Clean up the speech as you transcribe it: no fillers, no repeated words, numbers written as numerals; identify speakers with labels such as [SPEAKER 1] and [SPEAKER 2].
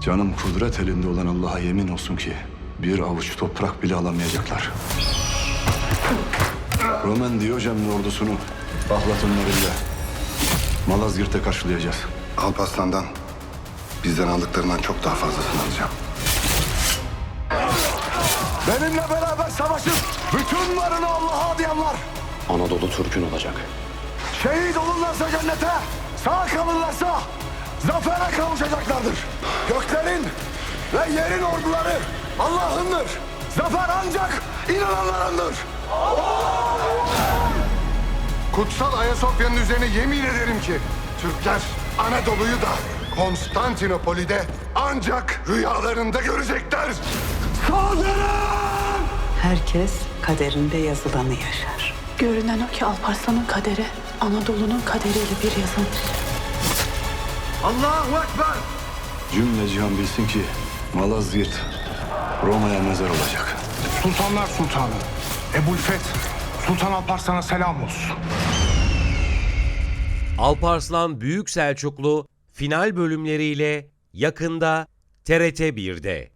[SPEAKER 1] Canım kudret elinde olan Allah'a yemin olsun ki bir avuç toprak bile alamayacaklar. Roman Diyojen'in ordusunu Bahlatınlarıyla Malazgirt'te karşılayacağız.
[SPEAKER 2] Alparslan'dan bizden aldıklarından çok daha fazlasını alacağım.
[SPEAKER 1] Benimle beraber savaşıp bütün varını Allah'a adayanlar
[SPEAKER 3] Anadolu Türk'ün olacak.
[SPEAKER 1] şehit olurlarsa cennete, sağ kalırlarsa zafere kavuşacaklardır. Göklerin ve yerin orduları Allah'ındır. Zafer ancak inananlarındır.
[SPEAKER 2] Kutsal Ayasofya'nın üzerine yemin ederim ki Türkler Anadolu'yu da Konstantinopol'ü de ancak rüyalarında görecekler.
[SPEAKER 1] Saldırın!
[SPEAKER 4] Herkes kaderinde yazılanı yaşar.
[SPEAKER 5] Görünen o ki Alparslan'ın kaderi Anadolu'nun kaderiyle bir yazılmış.
[SPEAKER 1] Allahu Ekber! Cümle cihan bilsin ki Malazgirt Roma'ya mezar olacak.
[SPEAKER 6] Sultanlar Sultanı Ebu'l-Feth Sultan Alparslan'a selam olsun.
[SPEAKER 7] Alparslan Büyük Selçuklu final bölümleriyle yakında TRT 1'de.